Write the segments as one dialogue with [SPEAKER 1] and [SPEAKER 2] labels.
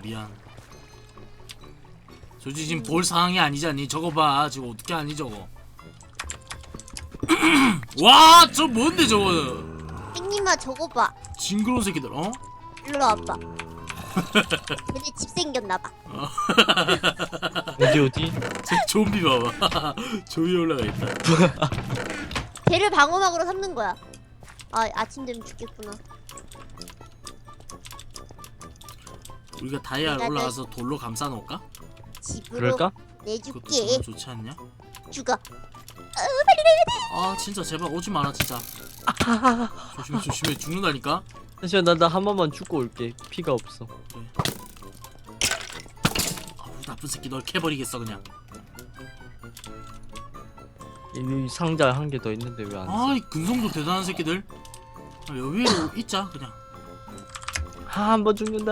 [SPEAKER 1] 미안. 솔직히 지금 볼 상황이 아니잖니. 저거 봐. 지금 어떻게 하니 저거. 와, 저 뭔데 저거.
[SPEAKER 2] 땡님아 저거 봐.
[SPEAKER 1] 징그러운 새끼들. 어?
[SPEAKER 2] 일로 와봐. 걔네 집 생겼나봐.
[SPEAKER 3] 어디?
[SPEAKER 1] 저 좀비 봐봐. 저 위에 올라가 있다.
[SPEAKER 2] 걔를 방어막으로 삼는 거야. 아 아침 되면 죽겠구나.
[SPEAKER 1] 우리가 다이아
[SPEAKER 2] 내가
[SPEAKER 1] 올라가서 돌로 감싸 놓을까?
[SPEAKER 2] 집으로
[SPEAKER 3] 그럴까?
[SPEAKER 1] 그것도
[SPEAKER 2] 내줄게.
[SPEAKER 1] 정말 좋지 않냐?
[SPEAKER 2] 죽어.
[SPEAKER 1] 아 진짜 제발 오지 마라 진짜. 조심해 조심해 죽는다니까.
[SPEAKER 3] 잠시만 나 한 번만 죽고 올게. 피가 없어.
[SPEAKER 1] 아우 나쁜 새끼 널 캐버리겠어 그냥.
[SPEAKER 3] 이 상자 한 개 더 있는데 왜 안 써?
[SPEAKER 1] 아이 근성도 대단한 새끼들. 아, 여기에 있자 그냥.
[SPEAKER 3] 한 번 죽는다.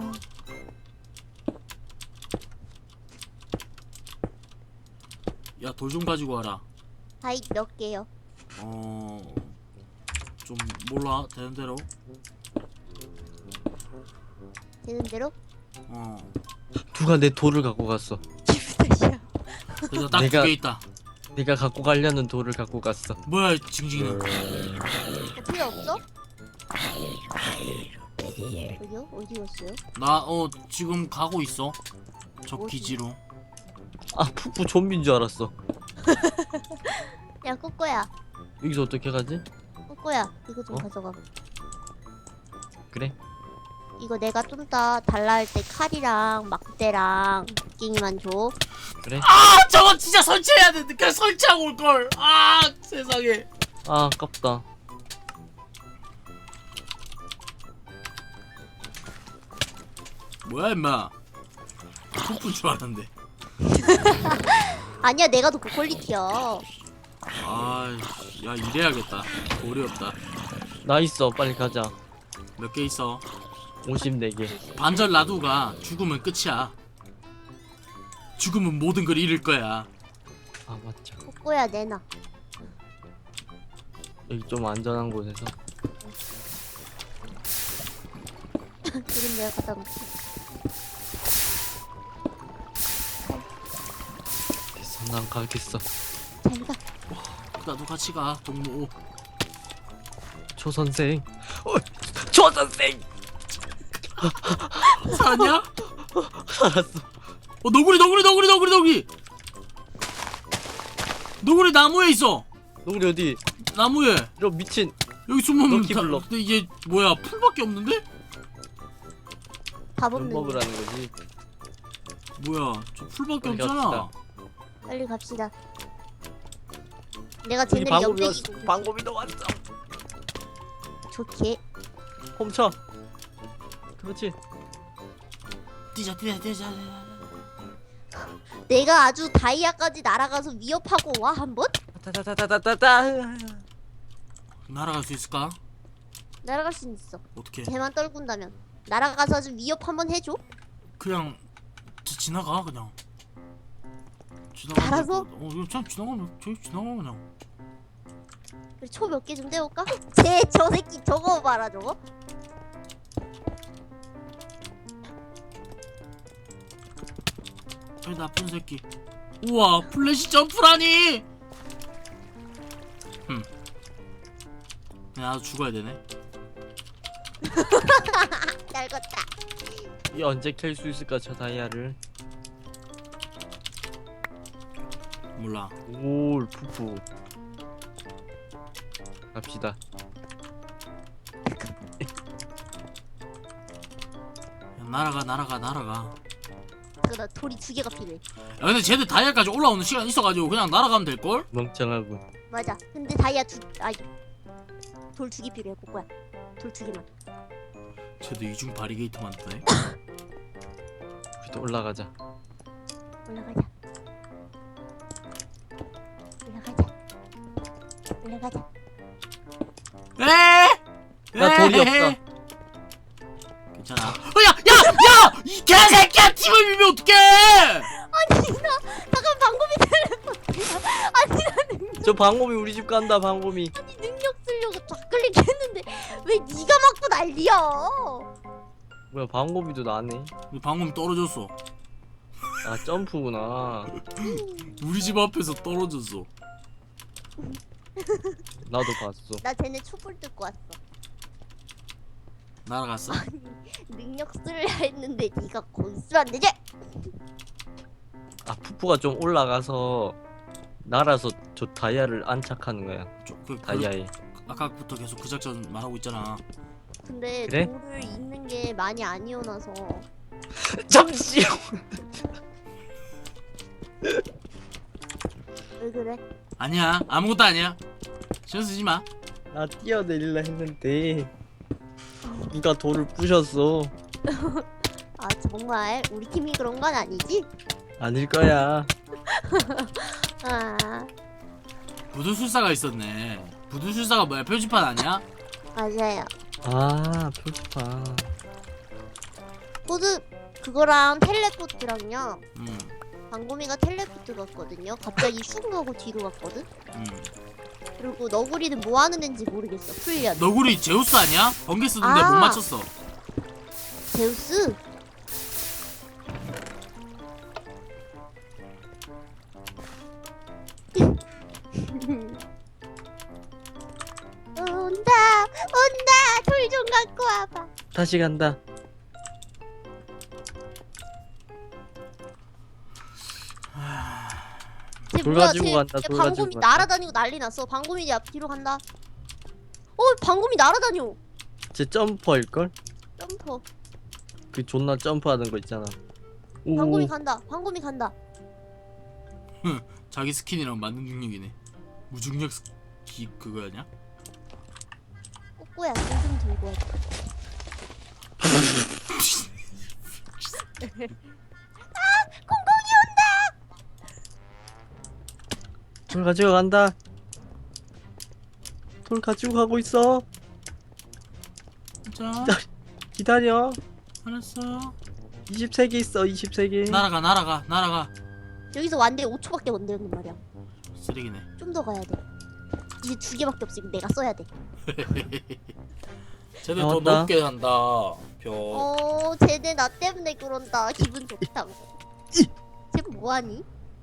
[SPEAKER 1] 야 돌 좀 가지고 와라.
[SPEAKER 2] 다이 몇 개요?
[SPEAKER 1] 좀 몰라 되는 대로.
[SPEAKER 2] 되는 대로?
[SPEAKER 3] 누가 내 돌을 갖고 갔어.
[SPEAKER 1] 그래서 딱 두
[SPEAKER 3] 내가-
[SPEAKER 1] 개 있다.
[SPEAKER 3] 내가 갖고 가려는 돌을 갖고 갔어.
[SPEAKER 1] 뭐야 징징이는.
[SPEAKER 2] 필요 없어? 어디요? 어디 갔어요?
[SPEAKER 1] 나 지금 가고 있어. 저
[SPEAKER 2] 어디?
[SPEAKER 1] 기지로.
[SPEAKER 3] 아 푸푸 좀비인 줄 알았어.
[SPEAKER 2] 야 꼬꼬야.
[SPEAKER 3] 여기서 어떻게 가지?
[SPEAKER 2] 꼬꼬야 이거 좀
[SPEAKER 3] 어?
[SPEAKER 2] 가져가.
[SPEAKER 3] 그래?
[SPEAKER 2] 이거 내가 좀 이따 달라 할 때 칼이랑 막대랑 갱이만 줘.
[SPEAKER 3] 그래?
[SPEAKER 1] 아 저거 진짜 설치해야 되는데 그냥 설치하고 올걸. 아 세상에.
[SPEAKER 3] 아 아깝다.
[SPEAKER 1] 뭐야 임마. 푸푸인 줄 알았는데.
[SPEAKER 2] 아니야 내가 더 고퀄리티야.
[SPEAKER 1] 아야 이래야겠다. 돌이 없다.
[SPEAKER 3] 나 있어. 빨리 가자.
[SPEAKER 1] 몇 개 있어.
[SPEAKER 3] 54개.
[SPEAKER 1] 반절 놔두가 죽으면 끝이야. 죽으면 모든 걸 잃을 거야.
[SPEAKER 3] 아 맞죠.
[SPEAKER 2] 꼬꼬야 내놔.
[SPEAKER 3] 여기 좀 안전한 곳에서.
[SPEAKER 2] 지금 내가 갖다 놓게.
[SPEAKER 3] 됐어. 난 가겠어.
[SPEAKER 2] 잘 가.
[SPEAKER 1] 나도 같이 가 동무.
[SPEAKER 3] 조 선생. 조 선생.
[SPEAKER 1] 살았냐?
[SPEAKER 3] 살았어.
[SPEAKER 1] 너구리 너구리 나무에 있어.
[SPEAKER 3] 너구리 어디?
[SPEAKER 1] 나무에
[SPEAKER 3] 이런 미친.
[SPEAKER 1] 여기 숨으면
[SPEAKER 3] 럭키 블럭.
[SPEAKER 1] 근데 이게 뭐야 풀밖에 없는데?
[SPEAKER 2] 밥
[SPEAKER 3] 뭘
[SPEAKER 2] 없는.
[SPEAKER 3] 먹으라는 거지?
[SPEAKER 1] 뭐야 저 풀밖에
[SPEAKER 3] 빨리
[SPEAKER 1] 없잖아.
[SPEAKER 3] 갑시다.
[SPEAKER 2] 빨리 갑시다. 내가
[SPEAKER 3] 여기
[SPEAKER 2] 쟤네를
[SPEAKER 3] 방법이
[SPEAKER 2] 옆대기
[SPEAKER 3] 왔어. 방법이 더 왔어.
[SPEAKER 2] 좋게.
[SPEAKER 3] 훔쳐. 그렇지.
[SPEAKER 1] 뛰자.
[SPEAKER 2] 내가 아주 다이아까지 날아가서 위협하고 와 한번?
[SPEAKER 3] 타타타타타타.
[SPEAKER 1] 날아갈 수 있을까?
[SPEAKER 2] 날아갈 수 있어.
[SPEAKER 1] 어떻게?
[SPEAKER 2] 쟤만 떨군다면 날아가서 아주 위협 한번 해줘.
[SPEAKER 1] 그냥 지나가 그냥. 지나가.
[SPEAKER 2] 알아서?
[SPEAKER 1] 이거 그냥 지나가면 그냥.
[SPEAKER 2] 초 몇 개 좀 떼올까? 쟤 저 새끼 저거 봐라 저거.
[SPEAKER 1] 이 나쁜 새끼. 우와 플래시 점프라니. 그냥 나도 죽어야 되네.
[SPEAKER 2] 날것다.
[SPEAKER 3] 이 언제 캘 수 있을까 저 다이아를?
[SPEAKER 1] 몰라.
[SPEAKER 3] 올 푸푸. 갑시다.
[SPEAKER 1] 그냥 날아가.
[SPEAKER 2] 그나 돌이 2개가 필요해.
[SPEAKER 1] 야 근데 쟤들 다이아까지 올라오는 시간 있어가지고 그냥 날아가면 될걸?
[SPEAKER 3] 멍청하군.
[SPEAKER 2] 맞아. 근데 다이아 돌 2개 필요해 꼬꼬야. 돌 2개만.
[SPEAKER 1] 쟤도 이중 바리게이트 만드네.
[SPEAKER 3] 우리도 올라가자.
[SPEAKER 2] 올라가자.
[SPEAKER 3] 나 돌이 없다.
[SPEAKER 1] 괜찮아. 야! 이 개새끼야! 팀을 밀면 어떡해!
[SPEAKER 2] 아니 나 잠깐 방금이 텔레포트야. 아니 나 능력
[SPEAKER 3] 저 방곰이 우리 집 간다. 방곰이.
[SPEAKER 2] 아니 능력 쓰려고 좌클릭했는데 왜 네가 맞고 난리야?
[SPEAKER 3] 뭐야 방고비도 나네.
[SPEAKER 1] 근데 방금 떨어졌어.
[SPEAKER 3] 아 점프구나.
[SPEAKER 1] 우리 집 앞에서 떨어졌어.
[SPEAKER 3] 나도 봤어.
[SPEAKER 2] 나 쟤네 촛불 뜯고 왔어.
[SPEAKER 1] 날아갔어?
[SPEAKER 2] 능력 쓸려 했는데 네가 거기 있으면 안 되지?
[SPEAKER 3] 아 푸푸가 좀 올라가서 날아서 저 다이아를 안착하는 거야. 다이아에.
[SPEAKER 1] 아까부터 계속 그 작전 말하고 있잖아.
[SPEAKER 2] 근데
[SPEAKER 3] 그래?
[SPEAKER 2] 돌을 잇는 게 많이 안 이어나서.
[SPEAKER 3] 잠시.
[SPEAKER 2] 왜 그래?
[SPEAKER 1] 아니야, 아무것도 아니야. 신경 쓰지 마.
[SPEAKER 3] 나 뛰어내릴라 했는데 네가 돌을 부셨어.
[SPEAKER 2] 아 정말 우리 팀이 그런 건 아니지?
[SPEAKER 3] 아닐 거야.
[SPEAKER 2] 아
[SPEAKER 1] 부두술사가 있었네. 부두술사가 뭐야? 표지판 아니야?
[SPEAKER 2] 맞아요.
[SPEAKER 3] 아 표지판.
[SPEAKER 2] 코드 그거랑 텔레포트랑요.
[SPEAKER 1] 응,
[SPEAKER 2] 방고미가 텔레포트 갔거든요. 갑자기 쑥 가고 뒤로 갔거든.
[SPEAKER 1] 응.
[SPEAKER 2] 그리고 너구리는 뭐 하는 애인지 모르겠어. 풀려.
[SPEAKER 1] 너구리 제우스 아니야? 번개 쓰던데
[SPEAKER 2] 아.
[SPEAKER 1] 못 맞췄어.
[SPEAKER 2] 제우스? 온다 온다 돌 좀 갖고 와봐.
[SPEAKER 3] 다시 간다.
[SPEAKER 2] 쟤
[SPEAKER 3] 돌
[SPEAKER 2] 뭐야,
[SPEAKER 3] 가지고
[SPEAKER 2] 쟤
[SPEAKER 3] 간다, 돌 가지고
[SPEAKER 2] 방곰이
[SPEAKER 3] 간다.
[SPEAKER 2] 날아다니고 난리 났어. 방곰이 이제 앞 뒤로 간다. 방곰이 날아다녀.
[SPEAKER 3] 쟤 점퍼일걸?
[SPEAKER 2] 점퍼.
[SPEAKER 3] 그 존나 점프하는 거 있잖아. 오.
[SPEAKER 2] 방곰이 간다. 방곰이 간다.
[SPEAKER 1] 자기 스킨이랑 맞는 능력이네. 무중력 스키 그거냐?
[SPEAKER 2] 꼬꼬야 돌좀 들고 와. 공공이 온다.
[SPEAKER 3] 돌 가지고 간다. 돌 가지고 가고 있어.
[SPEAKER 1] 자,
[SPEAKER 3] 기다려.
[SPEAKER 1] 알았어.
[SPEAKER 3] 23개 있어. 23개.
[SPEAKER 1] 날아가, 날아가, 날아가.
[SPEAKER 2] 여기서 완대 5초밖에 못 내는 말이야.
[SPEAKER 1] 쓰레기네.
[SPEAKER 2] 좀 더 가야 돼. 이제 2개밖에 없으니까 내가 써야 돼.
[SPEAKER 1] 쟤네 더
[SPEAKER 3] 나왔다.
[SPEAKER 1] 높게 간다. 벼.
[SPEAKER 2] 쟤네 나 때문에 그런다. 기분 좋다고. 쟤 뭐하니?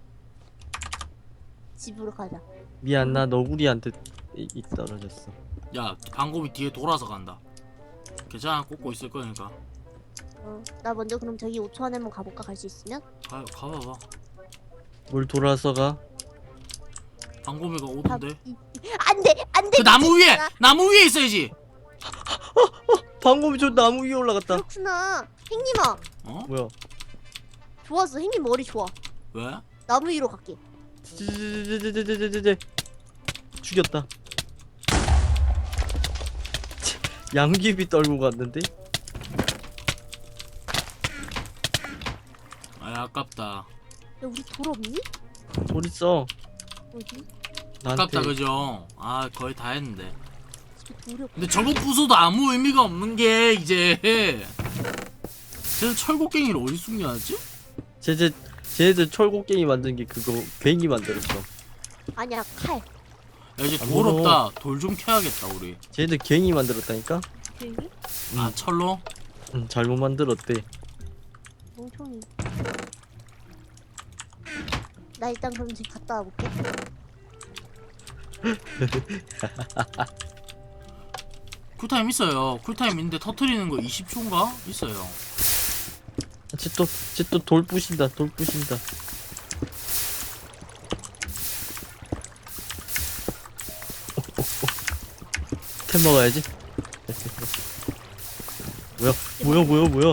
[SPEAKER 2] 집으로 가자.
[SPEAKER 3] 미안 나 너구리한테 떨어졌어.
[SPEAKER 1] 야, 방곰이 뒤에 돌아서 간다. 괜찮아, 꽂고 있을 거니까.
[SPEAKER 2] 나 먼저 그럼 저기 5초 안에 한번 가볼까? 갈 수 있으면?
[SPEAKER 1] 가봐봐.
[SPEAKER 3] 뭘 돌아서 가?
[SPEAKER 1] 방곰이가 오던데.
[SPEAKER 2] 안돼 안돼.
[SPEAKER 1] 그 나무 위에, 나무 위에 있어야지.
[SPEAKER 3] 방금이 저 나무 위에 올라갔다.
[SPEAKER 2] 그렇구나. 행님아
[SPEAKER 1] 어?
[SPEAKER 3] 뭐야?
[SPEAKER 2] 좋았어. 행님 머리 좋아.
[SPEAKER 1] 왜?
[SPEAKER 2] 나무 위로 갈게.
[SPEAKER 3] 죽였다. 양귀비 떨고 갔는데?
[SPEAKER 1] 아, 아깝다.
[SPEAKER 2] 야 우리 돌 없니?
[SPEAKER 3] 돌 있어.
[SPEAKER 2] 어디?
[SPEAKER 3] 나한테.
[SPEAKER 1] 아깝다, 그죠? 아, 거의 다 했는데.
[SPEAKER 2] 집에 돌이 없.
[SPEAKER 1] 근데 저거 부숴도 아무 의미가 없는 게 이제. 쟤는 철곡갱이를 어디 숨겨놨지?
[SPEAKER 3] 쟤들 철곡갱이 만든 게 그거 괜히 만들었어.
[SPEAKER 2] 아니야 칼.
[SPEAKER 1] 야, 이제
[SPEAKER 3] 아,
[SPEAKER 1] 돌
[SPEAKER 3] 물어.
[SPEAKER 1] 없다. 돌 좀 캐야겠다, 우리.
[SPEAKER 3] 쟤들 괜히 만들었다니까?
[SPEAKER 2] 괜히?
[SPEAKER 1] 아, 철로?
[SPEAKER 3] 응, 잘못 만들었대.
[SPEAKER 2] 멍청이. 나 일단 그럼 지금 갔다 와볼게.
[SPEAKER 1] 쿨타임 있어요. 쿨타임 있는데 터트리는 거 20초인가? 있어요.
[SPEAKER 3] 쟤 또 돌 부신다. 돌 부신다. 템 먹어야지. 뭐야?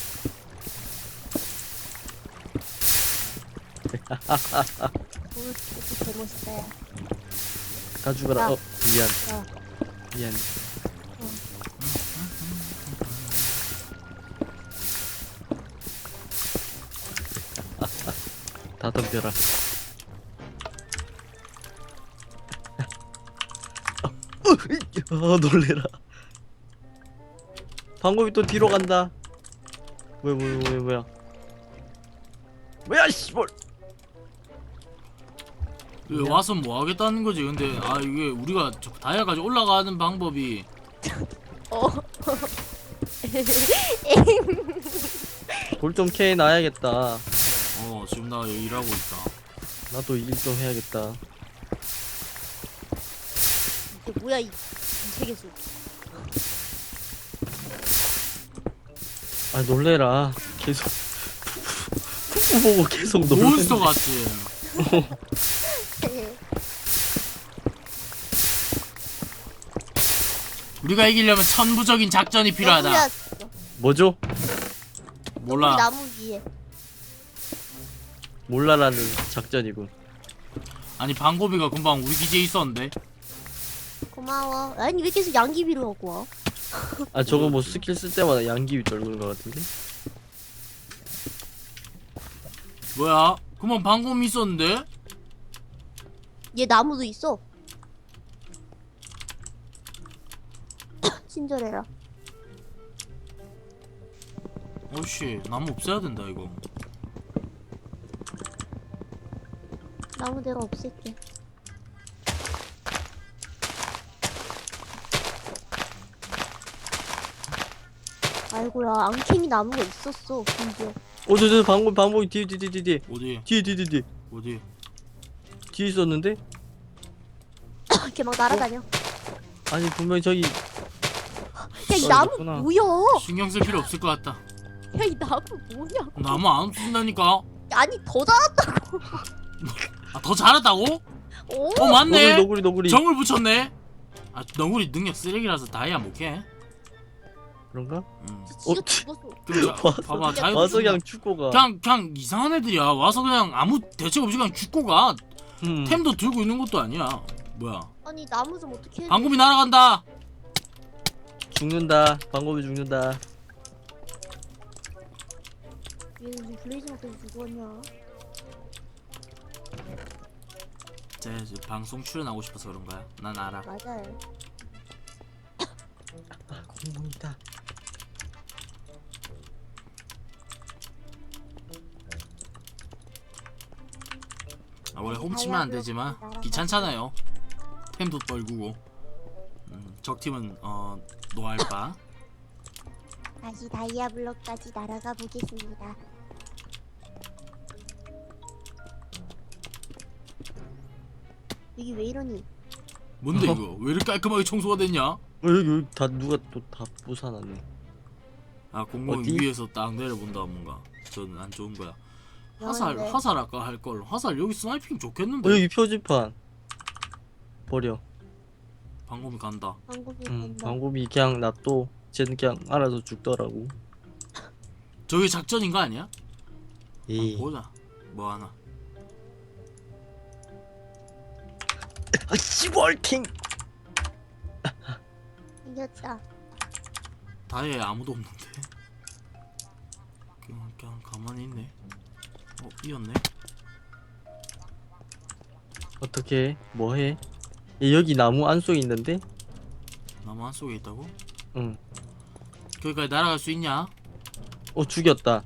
[SPEAKER 2] 돌 이렇게 개멋있다. 야.
[SPEAKER 3] 다 죽어라.
[SPEAKER 2] 야.
[SPEAKER 3] 미안.
[SPEAKER 2] 야.
[SPEAKER 3] 미안. 다 덤벼라. 놀래라. 방금이 또 뒤로 간다. 뭐야? 뭐야 씨발.
[SPEAKER 1] 왜 와서 뭐 하겠다는 거지? 근데 이게 우리가 다이아까지 올라가는 방법이
[SPEAKER 3] 돌 좀 캐 놔야겠다.
[SPEAKER 1] 지금 나 여기 일하고 있다.
[SPEAKER 3] 나도 일 좀 해야겠다.
[SPEAKER 2] 이게 뭐야 이 세계수.
[SPEAKER 3] 아 놀래라. 계속 푸푸 보고 계속 놀래.
[SPEAKER 1] 몬스터 같지? 우리가 이기려면 천부적인 작전이 필요하다.
[SPEAKER 2] 너구리야,
[SPEAKER 3] 뭐죠?
[SPEAKER 1] 몰라.
[SPEAKER 2] 나무 위에.
[SPEAKER 3] 몰라라는 작전이군.
[SPEAKER 1] 아니 방고비가 금방 우리 기지에 있었는데.
[SPEAKER 2] 고마워. 아니 왜 계속 양귀비로 하고 와?
[SPEAKER 3] 아 저거 뭐 스킬 쓸 때마다 양귀비 떨구는 것 같은데?
[SPEAKER 1] 뭐야? 금방 방고비 있었는데?
[SPEAKER 2] 얘 나무도 있어. 친절해라.
[SPEAKER 1] 어씨 나무 없애야 된다 이거.
[SPEAKER 2] 나무 내가 없앨게. 아이고야 앙캥이 나무가 있었어 심지어.
[SPEAKER 3] 저 방법이 뒤에
[SPEAKER 1] 어디? 어디?
[SPEAKER 3] 뒤에 있었는데?
[SPEAKER 2] 걔 막 날아다녀.
[SPEAKER 3] 아니 분명히 저기
[SPEAKER 2] 야 이 나무
[SPEAKER 3] 있구나.
[SPEAKER 2] 뭐야?
[SPEAKER 1] 신경 쓸 필요 없을 것 같다.
[SPEAKER 2] 야 이 나무 뭐냐?
[SPEAKER 1] 나무 안 없앤다니까.
[SPEAKER 2] 아니 더 자랐다고.
[SPEAKER 1] 아, 더 잘했다고?
[SPEAKER 2] 오?
[SPEAKER 1] 맞네.
[SPEAKER 3] 너구리
[SPEAKER 1] 정을 붙였네. 아 너구리 능력 쓰레기라서 다이아 못해.
[SPEAKER 3] 그런가?
[SPEAKER 2] 지가 죽었어.
[SPEAKER 1] 그럼 봐봐 자유.
[SPEAKER 3] 와서 그냥 죽고 가.
[SPEAKER 1] 그냥 이상한 애들이야. 와서 그냥 아무 대책 없이 그냥 죽고 가. 템도 들고 있는 것도 아니야. 뭐야?
[SPEAKER 2] 아니 나무 좀 어떻게 해?
[SPEAKER 1] 방금이 날아간다.
[SPEAKER 3] 죽는다. 방법이 죽는다.
[SPEAKER 2] 얘 지금 블레이즈 먹고 죽었냐?
[SPEAKER 1] 쟤 방송 출연하고 싶어서 그런 거야. 난 알아.
[SPEAKER 2] 맞아요.
[SPEAKER 3] 아 공룡이다.
[SPEAKER 1] 아, 원래 훔치면 안 되지만 귀찮잖아요. 템도 떨구고. 적팀은 노알바.
[SPEAKER 2] 다시 다이아 블럭까지 날아가 보겠습니다. 여기 왜 이러니?
[SPEAKER 1] 뭔데 이거? 왜 이렇게 깔끔하게 청소가 됐냐?
[SPEAKER 3] 여기 다 누가 또 다 부사놨네.
[SPEAKER 1] 아 공무원
[SPEAKER 3] 어디?
[SPEAKER 1] 위에서 딱 내려본다 뭔가. 저는 안 좋은 거야. 화살
[SPEAKER 2] 네.
[SPEAKER 1] 화살 아까 할 걸. 화살 여기 스나이핑 좋겠는데.
[SPEAKER 3] 여기 표지판 버려.
[SPEAKER 1] 방금이 간다.
[SPEAKER 2] 방금이 된다.
[SPEAKER 3] 방법이 그냥 놔둬. 쟤는 그냥 알아서 죽더라고.
[SPEAKER 1] 저게 작전인 거 아니야?
[SPEAKER 3] 에이.
[SPEAKER 1] 보자. 뭐 하나.
[SPEAKER 3] 아 씨발팅.
[SPEAKER 2] 이겼다.
[SPEAKER 1] 다이아에 아무도 없는데. 그냥 가만히 있네. 이었네.
[SPEAKER 3] 어떻게 뭐해? 얘 여기 나무 안 속에 있는데?
[SPEAKER 1] 나무 안 속에 있다고?
[SPEAKER 3] 응.
[SPEAKER 1] 거기까지 날아갈 수 있냐?
[SPEAKER 3] 죽였다.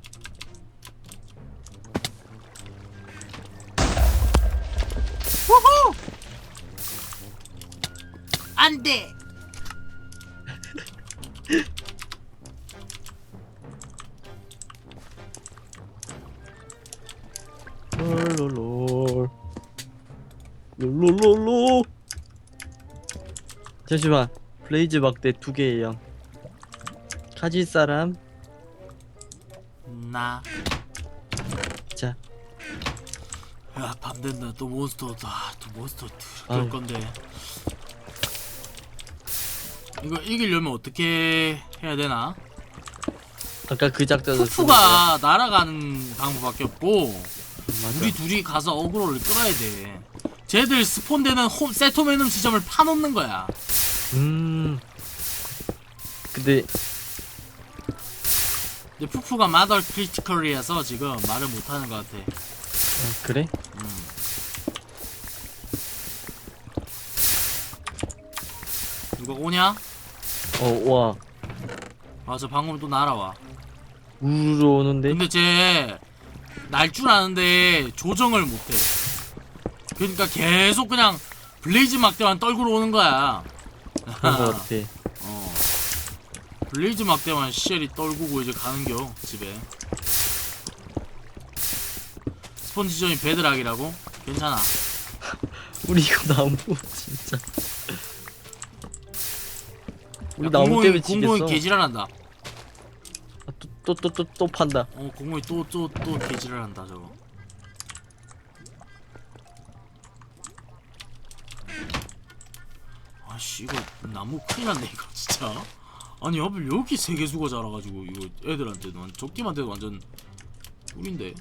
[SPEAKER 1] 안 돼.
[SPEAKER 3] 롤롤롤 롤롤롤로. 잠시만. 블레이즈 막대 2개예요. 가질 사람?
[SPEAKER 1] 나.
[SPEAKER 3] 자.
[SPEAKER 1] 야, 밤 된다. 또 몬스터다. 또 몬스터
[SPEAKER 3] 아유.
[SPEAKER 1] 그럴 건데. 이거 이기려면 어떻게 해야 되나?
[SPEAKER 3] 아까 그 작전을
[SPEAKER 1] 푸푸가 날아가는 방법밖에 없고
[SPEAKER 3] 맞아.
[SPEAKER 1] 우리 둘이 가서 어그로를 끌어야 돼. 쟤들 스폰되는 세토메눔 지점을 파놓는 거야.
[SPEAKER 3] 근데
[SPEAKER 1] 푸푸가 마더 크리티컬이라서 지금 말을 못하는 것 같아.
[SPEAKER 3] 그래?
[SPEAKER 1] 누가 오냐?
[SPEAKER 3] 와.
[SPEAKER 1] 아, 저 방금 또 날아와.
[SPEAKER 3] 우르르 오는데?
[SPEAKER 1] 근데 쟤 날 줄 아는데 조정을 못해. 그러니까 계속 그냥 블레이즈 막대만 떨구러 오는 거야.
[SPEAKER 3] 그런 거 같아.
[SPEAKER 1] 블레이즈 막대만 시엘이 떨구고 이제 가는겨 집에. 스폰지점이 베드락이라고? 괜찮아.
[SPEAKER 3] 우리 이거 나무 진짜. 우리
[SPEAKER 1] 야,
[SPEAKER 3] 나무 때문에
[SPEAKER 1] 공공이
[SPEAKER 3] 지겠어.
[SPEAKER 1] 개지랄한다.
[SPEAKER 3] 또 판다.
[SPEAKER 1] 공공이 또 개지랄한다 저거. 아씨 이거 나무 큰일 났네 이거 진짜. 아니 하필 여기 세계수가 자라가지고 이거 애들한테는 적팀한테도 완전 꿀인데.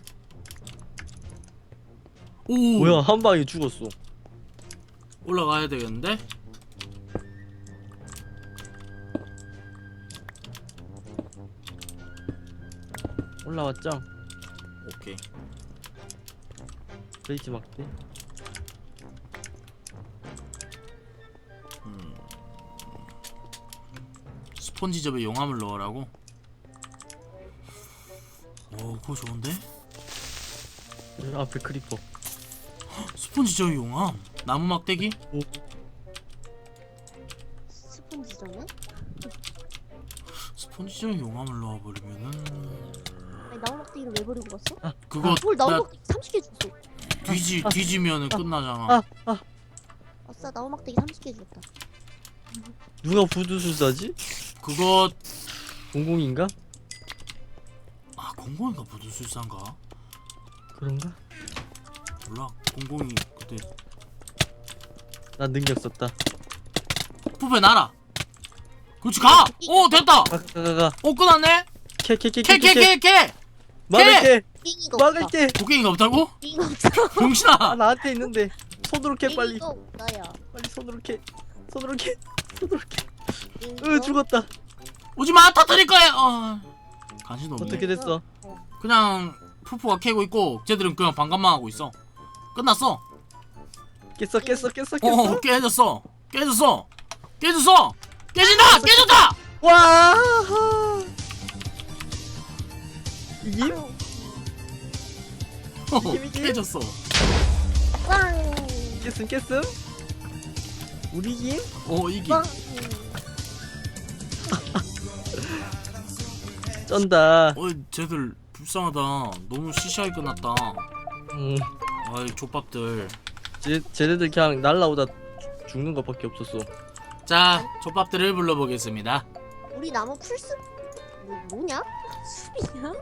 [SPEAKER 1] 오
[SPEAKER 3] 뭐야 한 방에 죽었어.
[SPEAKER 1] 올라가야 되겠는데?
[SPEAKER 3] 올라왔죠?
[SPEAKER 1] 오케이.
[SPEAKER 3] 레이지 막대.
[SPEAKER 1] 스폰지접에 용암을 넣으라고? 오 그거 좋은데?
[SPEAKER 3] 앞에 크리퍼.
[SPEAKER 1] 스폰지접에 용암? 나무 막대기?
[SPEAKER 2] 스폰지점은?
[SPEAKER 1] 스폰지접에 용암을 넣어버리면은
[SPEAKER 2] 아니 나무막대기를 왜 버리고 갔어?
[SPEAKER 1] 그거
[SPEAKER 2] 뭘
[SPEAKER 1] 나
[SPEAKER 2] 나무막대기 30개 줬어.
[SPEAKER 1] 뒤지면은 끝나잖아.
[SPEAKER 2] 아싸 나무막대기 30개 줬다.
[SPEAKER 3] 누가 부두술사지?
[SPEAKER 1] 그거
[SPEAKER 3] 공공인가?
[SPEAKER 1] 공공이가 부두술사인가?
[SPEAKER 3] 그런가?
[SPEAKER 1] 몰라. 공공이 그때
[SPEAKER 3] 난 능력 썼다.
[SPEAKER 1] 푸페 날아. 그렇지 가. 오 됐다.
[SPEAKER 3] 가가가.
[SPEAKER 1] 오 끝났네. 캐.
[SPEAKER 3] 막을게.
[SPEAKER 2] 빙이가 없다.
[SPEAKER 3] 막을게.
[SPEAKER 1] 곡괭이가 없다고?
[SPEAKER 2] 빙이가 없어.
[SPEAKER 1] 병신아.
[SPEAKER 3] 아 나한테 있는데. 손으로 캐 빨리.
[SPEAKER 2] 빙이가 없다야.
[SPEAKER 3] 빨리 손으로 캐. 손으로 캐. 손으로 캐.
[SPEAKER 2] 빙이가
[SPEAKER 3] 죽었다.
[SPEAKER 1] 오지마 터뜨릴 거야. 간신 없네.
[SPEAKER 3] 어떻게 됐어?
[SPEAKER 1] 그냥 푸푸가 캐고 있고 쟤들은 그냥 반감만 하고 있어. 끝났어.
[SPEAKER 3] 깼어.
[SPEAKER 1] 깨졌어. 깨진다.
[SPEAKER 3] 와. 이김? 이김?
[SPEAKER 1] 깨졌어.
[SPEAKER 2] 빵.
[SPEAKER 3] 깼음? 우리 김?
[SPEAKER 1] 이기.
[SPEAKER 2] 빵.
[SPEAKER 3] 쩐다.
[SPEAKER 1] 쟤들 불쌍하다. 너무 시시하게 끝났다. 아이 족밥들.
[SPEAKER 3] 쟤네들 그냥 날라오다 죽는 것밖에 없었어.
[SPEAKER 1] 자, 족밥들을 불러보겠습니다.
[SPEAKER 2] 우리 나무 풀숲 뭐냐? 숲이냐?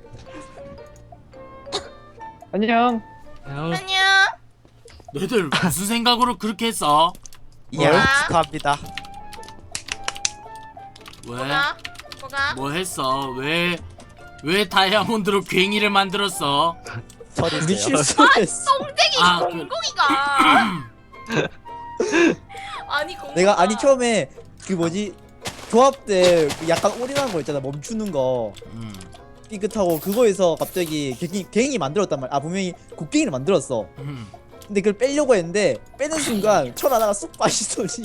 [SPEAKER 4] 안녕.
[SPEAKER 3] 야,
[SPEAKER 1] 너희들 무슨 생각으로 그렇게 했어?
[SPEAKER 4] 예, 축하합니다.
[SPEAKER 1] 왜?
[SPEAKER 5] 뭐가?
[SPEAKER 1] 뭐 했어? 왜 다이아몬드로 괭이를 만들었어?
[SPEAKER 4] 우리 실수했어.
[SPEAKER 1] 아,
[SPEAKER 5] 공공이가 아니 공공아
[SPEAKER 4] 내가 아니 처음에 그 뭐지 조합 때그 약간 올인한 거 있잖아. 멈추는 거 삐끗하고 그거에서 갑자기 갱이 만들었단 말이야. 분명히 곡괭이를 만들었어. 근데 그걸 빼려고 했는데 빼는 순간 철 하나가 쑥 빠지더니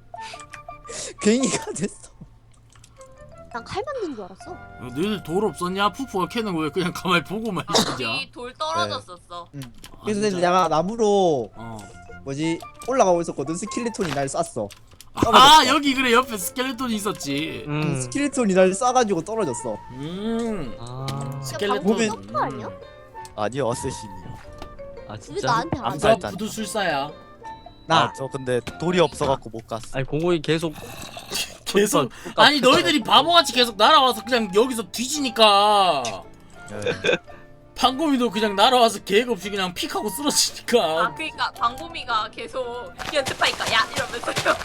[SPEAKER 4] 갱이가 됐어.
[SPEAKER 2] 난 칼 만든 줄 알았어.
[SPEAKER 1] 너희들 돌 없었냐? 푸푸가 캐는 거 왜 그냥 가만히 보고만 있냐?
[SPEAKER 5] 우리 돌 떨어졌었어.
[SPEAKER 4] 그래서
[SPEAKER 1] 진짜?
[SPEAKER 4] 내가 나무로
[SPEAKER 1] 어.
[SPEAKER 4] 뭐지 올라가고 있었거든. 스켈레톤이 날 쐈어.
[SPEAKER 1] 아
[SPEAKER 4] 떨어졌어.
[SPEAKER 1] 여기 그래 옆에 스켈레톤이 있었지.
[SPEAKER 4] 스켈레톤이 날 쏴가지고 떨어졌어.
[SPEAKER 3] 아,
[SPEAKER 1] 스켈레톤.
[SPEAKER 4] 보면-
[SPEAKER 2] 서프 아니야?
[SPEAKER 6] 아니요 어쌔신이요.
[SPEAKER 3] 아
[SPEAKER 2] 왜
[SPEAKER 3] 진짜?
[SPEAKER 2] 나한테 안
[SPEAKER 6] 암살.
[SPEAKER 2] 줘?
[SPEAKER 1] 부두술사야.
[SPEAKER 4] 나
[SPEAKER 6] 저 근데 돌이 없어갖고 못 갔어.
[SPEAKER 3] 아니 공공이 계속
[SPEAKER 1] 계속 아니 너희들이 바보같이 계속 날아와서 그냥 여기서 뒤지니까
[SPEAKER 6] 예.
[SPEAKER 1] 방금이도 그냥 날아와서 계획 없이 그냥 픽하고 쓰러지니까.
[SPEAKER 5] 그러니까 광고미가 계속 연습하니까 야 이러면서요.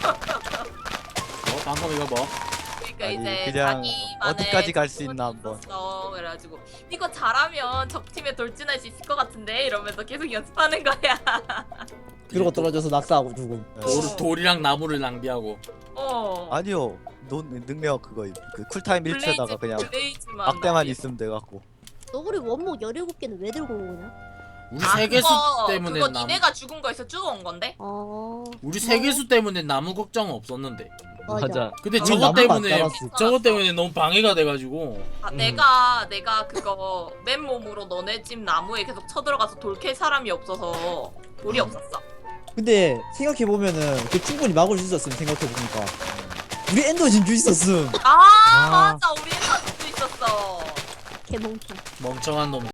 [SPEAKER 1] 방금이가 뭐?
[SPEAKER 5] 그러니까
[SPEAKER 6] 아니,
[SPEAKER 5] 이제
[SPEAKER 6] 그냥
[SPEAKER 5] 자기만의
[SPEAKER 6] 어디까지 갈수 있나 한번.
[SPEAKER 5] 있었어. 그래가지고 이거 잘하면 적팀에 돌진할 수 있을 것 같은데 이러면서 계속 연습하는 거야.
[SPEAKER 4] 그러고 떨어져서 낙사하고 죽음.
[SPEAKER 1] 돌이랑 나무를 낭비하고.
[SPEAKER 6] 아니요 능력 그거 그 쿨타임 1초에다가 그냥
[SPEAKER 5] 블레이즈만
[SPEAKER 6] 막대만 있으면 돼갖고.
[SPEAKER 2] 너 그리 원목 17개는 왜 들고 온 거냐?
[SPEAKER 1] 우리 세계수 때문에
[SPEAKER 5] 그거
[SPEAKER 1] 나무.
[SPEAKER 5] 니네가 죽은 거에서 죽어온 건데?
[SPEAKER 1] 우리 세계수 때문에 나무 걱정은 없었는데.
[SPEAKER 3] 맞아.
[SPEAKER 1] 근데
[SPEAKER 4] 우리
[SPEAKER 1] 저것
[SPEAKER 4] 나무가
[SPEAKER 1] 때문에
[SPEAKER 4] 안 자랐어.
[SPEAKER 1] 저것 때문에 너무 방해가 돼가지고.
[SPEAKER 5] 내가 그거 맨몸으로 너네 집 나무에 계속 쳐들어가서 돌 캘 사람이 없어서 돌이 없었어.
[SPEAKER 4] 근데 생각해보면은 그 충분히 막을 수 있었음. 생각해보니까 우리 엔더 진주 있었음.
[SPEAKER 5] 아 맞아 우리 엔더도 있었어.
[SPEAKER 2] 개몽충.
[SPEAKER 1] 멍청한 놈.